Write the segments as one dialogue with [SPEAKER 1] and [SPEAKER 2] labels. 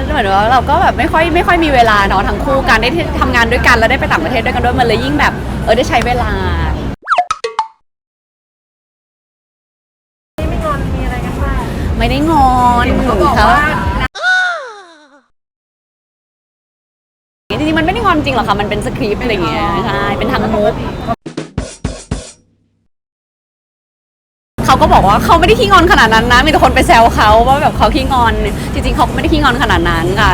[SPEAKER 1] เหมือนว่าเราก็แบบไม่ค่อยมีเวลาเนาะทั้งคู่การได้ทำงานด้วยกันแล้วได้ไปต่างประเทศด้วยกันด้วยมันเลยยิ่งแบบได้ใช้เวลา
[SPEAKER 2] ไม่งอนมีอะไรกันบ้าง
[SPEAKER 1] ไม่ได้งอน
[SPEAKER 2] เขาบอกว่า
[SPEAKER 1] จริงๆมันไม่ได้งอนจริงหรอกค่ะมันเป็นสคริปต์อะไรอย่างเงี้ยใช่เป็นทางมุกเขาก็บอกว่าเขาไม่ได้ขี้งอนขนาดนั้นนะมีแต่คนไปแซวเขาว่าแบบเขาขี้งอนจริงๆเขาไม่ได้ขี้งอนขนาดนั้นค่ะ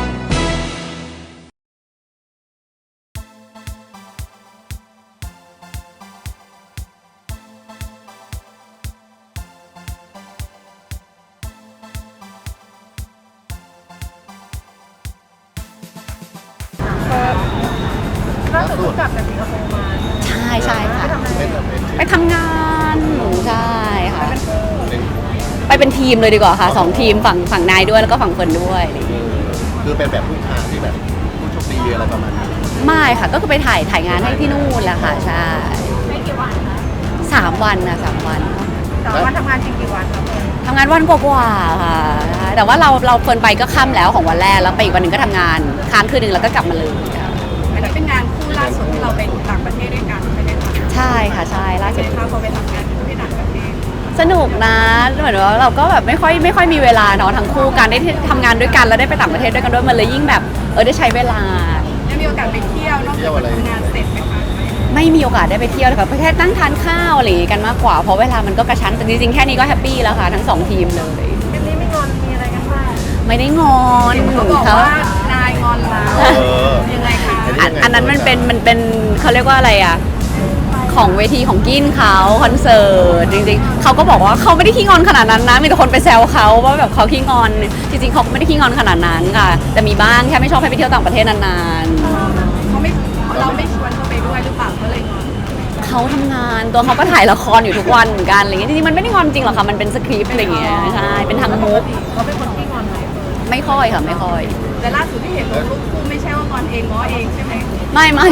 [SPEAKER 2] ล่าสุดเพิ่งกลับจากสิงคโปร์มา
[SPEAKER 1] ใช่ค่ะไปทำงานใช่ค่ะไปเป็นทีมเลยดีกว่าค่ะ2ทีมฝั่งนายด้วยแล้วก็ฝั่งเฟิร์นด้วย
[SPEAKER 3] คือเป็นแบบผู้ชายที่แบบผู้โชคดีอะไรประมาณนี้
[SPEAKER 1] ไม่ค่ะก็คือไปถ่ายงานให้ที่นู่นแหละค่ะใช่
[SPEAKER 2] ไม่กี่วันคะ
[SPEAKER 1] 3 วันนะ3 วัน
[SPEAKER 2] ทำงานจริงกี่วันครับ
[SPEAKER 1] ทำงานวันกว่าค่ะแต่ว่าเราเฟิร์นไปก็ค่ำแล้วของวันแรกแล้วไปอีกวันหนึ่งก็ทำงานค้างคืนนึงแล้วก็กลับมาเลย
[SPEAKER 2] อันนี้เป็นงานคู่ล่าสุดที่เราไปต่างประเทศด้วยกันใช่ไหมคะ
[SPEAKER 1] ใช่ค่ะใช่ล่าสุด
[SPEAKER 2] พอไปทำงานที่ต่างประเทศ
[SPEAKER 1] สนุกนะเหมือนว่าเราก็แบบไม่ค่อยมีเวลาเนาะทั้งคู่การได้ทำงานด้วยกันแล้วได้ไปต่างประเทศด้วยกันด้วยมันเลยยิ่งแบบได้ใช้เวลา
[SPEAKER 2] ได้มีโอกาสไปเที่ยวนอกจากทำงานเสร็จไหมคะ
[SPEAKER 1] ไม่มีโอกาสได้ไปเที่ยวเลยค่ะประเทศนั่งทานข้าวอะไรกันมากกว่าเพราะเวลามันก็กระชั้นแต่จริงๆแค่นี้ก็แฮปปี้แล้วค่ะทั้ง2ทีมเลย
[SPEAKER 2] เป็นนี้ไม่งอนมีอะไรกันบ้าง
[SPEAKER 1] ไม่ได้งอน
[SPEAKER 2] เขาบอกว่านายงอนเรายังไงคะ
[SPEAKER 1] อันนั้นมันเป็นเขาเรียกว่าอะไรอ่ะของเวทีของกินเขาคอนเสิร์ตจริงๆเขาก็บอกว่าเขาไม่ได้ขี้งอนขนาดนั้นนะมีแต่คนไปแซวเขาว่าแบบเขาขี้งอนจริงๆเขาไม่ได้ขี้งอนขนาดนั้นค่ะแต่มีบ้างแค่ไม่ชอบให้ไปเที่ยวต่างประเทศนาน
[SPEAKER 2] ๆเราไม่ชวนเขาไปด้วยหรือเปล่าเขาเลยงอน
[SPEAKER 1] เขาทำงานตัวเขาก็ถ่ายละครอยู่ทุกวันเหมือนกันอะไรเงี้ยจริงๆมันไม่ได้งอนจริงหรอกค่ะมันเป็นสคริปต์อะไรเงี้ยใช่เป็นทางมุก
[SPEAKER 2] เขาเป็นคนขี้งอนไหม
[SPEAKER 1] ไม่ค่อยค่ะไม่ค่อย
[SPEAKER 2] แต่ล่าสุดที่เห็นรูปคู่ไม่ใช่ว่างอนเองง้อเองใช่ไหม
[SPEAKER 1] ไม่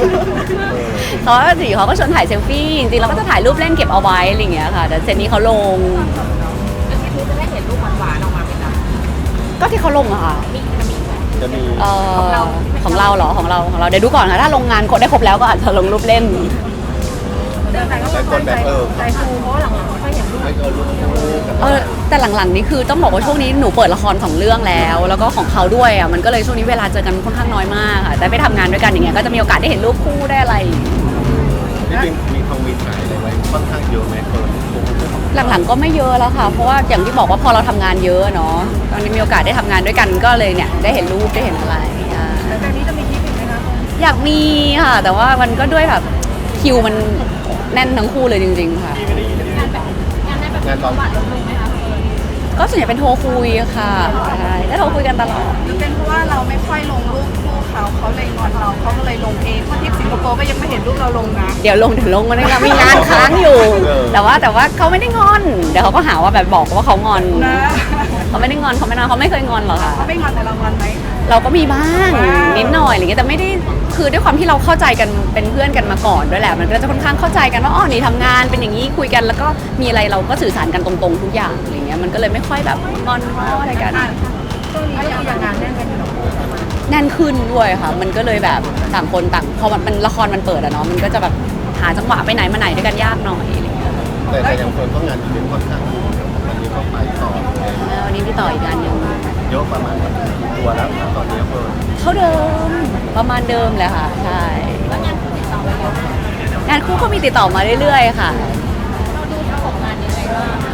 [SPEAKER 1] เขาก็ชวนถ่ายเซลฟี่จริงๆเราก็จะถ่ายรูปเล่นเก็บเอาไว้อะไรเงี้ยค่ะแต่เซตนี้เขาลง
[SPEAKER 2] แล้วทีนี้จะได้เห็นรูปหวานๆออกมาไหมจ๊ะ
[SPEAKER 1] ก็ที่เขาลงอะค่ะ
[SPEAKER 3] จะมี
[SPEAKER 1] ของเราเหรอของเราเดี๋ยวดูก่อนค่ะถ้าลงงานกดได้ครบแล้วก็อาจจะลงรูปเล่น
[SPEAKER 2] แต่คนแบบใจฟูเพราะหลังๆไม่ค่อยเห็นรูปไม่เกินรูป
[SPEAKER 1] แต่หลังๆนี่คือต้องบอกว่าช่วงนี้หนูเปิดละคร2 เรื่องแล้วก็ของเขาด้วยอ่ะมันก็เลยช่วงนี้เวลาเจอกันค่อนข้างน้อยมากค่ะแต่ไปทำงานด้วยกันอย่างเงี้ยก็จะมีโอกาสได้เห็นรูปคู่ได้อะไร
[SPEAKER 3] จริงๆมีทองมีถ่ายอะไรไว้ค่อนข้างเยอะไหม
[SPEAKER 1] หลังๆก็ไม่เยอะแล้วค่ะเพราะว่าอย่างที่บอกว่าพอเราทำงานเยอะเนาะตอนนี้มีโอกาสได้ทำงานด้วยกันก็เลยเนี่ยได้เห็นรูปได้เห็นอะไร
[SPEAKER 2] แล้วจากนี้จะมีทริปอีกไหมคะ
[SPEAKER 1] อยากมีค่ะแต่ว่ามันก็ด้วยแบบคิวมันแน่นทั้งคู่เลยจริงๆค่ะ
[SPEAKER 3] งานตอน
[SPEAKER 1] ก็ส่วนใหญ่เป็นโทรคุยค่ะใช่ก็โทรคุยกันตลอด
[SPEAKER 2] หรือเป็นเพราะว่าเราไม่ค่อยลงรูปคู่เขาเลยงอนเราเขาก็เลยลงเองเพราะที่สิงคโปร์ก็ยังไม่เห็นรูปเราลงนะ
[SPEAKER 1] เดี๋ยวลงมันมีงานค้างอยู่แต่ว่าเขาไม่ได้งอนเดี๋ยวเขาก็หาว่าแบบบอกว่าเขางอนเขาไม่ได้งอนเขาไม่เคยงอนหรอกค่ะ
[SPEAKER 2] เขาไม่งอนแต่เรางอนไหม
[SPEAKER 1] เราก็มีบ้างนิดหน่อยอะไรเงี้ยแต่ไม่ได้คือด้วยความที่เราเข้าใจกันเป็นเพื่อนกันมาก่อนด้วยแหละมันก็จะค่อนข้างเข้าใจกันว่าอ๋อนี่ทำงานเป็นอย่างนี้คุยกันแล้วก็มีอะไรเราก็สื่อสารกันตรงๆทุกอย่างอะไรเงี้ยมันก็เลยไม่ค่อยแบบงอนอะไรกัน
[SPEAKER 2] ช่วงนี้ก็ยังงานแน่นกันอยู่
[SPEAKER 1] แน่นขึ้นด้วยค่ะมันก็เลยแบบต่างคนต่างพอมันละครมันเปิดอะเนาะมันก็จะแบบหาจังหวะไปไหนมาไหนด้วยกันยากหน่อยอะไรเงี้ย
[SPEAKER 3] แต่ยังคนก็งานอีเวนต์ค่อนข้างวันนี้ก็ไปต่อ
[SPEAKER 1] วันนี้พี่ต่ออีกงานนึง
[SPEAKER 3] เยอะประมาณตัวแล้วตอนนี้เพิ่ม
[SPEAKER 1] เท่าเดิมประมาณเดิมเลยค่ะใช่
[SPEAKER 2] แล้วงานคู่ติดต่อมาเยอะ
[SPEAKER 1] งานคู่ก็มีติดต่อมาเรื่อยๆค่ะ
[SPEAKER 2] เราดูประสบงานยังไงบ้าง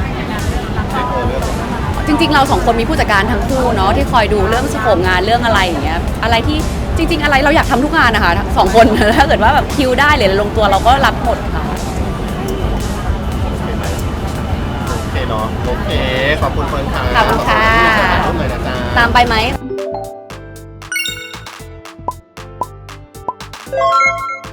[SPEAKER 1] จริงๆเรา2 คนมีผู้จัดการทั้งคู่เนาะที่คอยดูเรื่องสโคปงานเรื่องอะไรอย่างเงี้ยอะไรที่จริงๆอะไรเราอยากทำทุกงานนะคะ2 คนถ้าเกิดว่าแบบคิวได้หรือลงตัวเราก็รับหมดค่ะ
[SPEAKER 3] โอเคเนาะโอเคขอบคุณเฟิร์นค่ะ
[SPEAKER 1] ขอบคุณค่ะตามไปไหม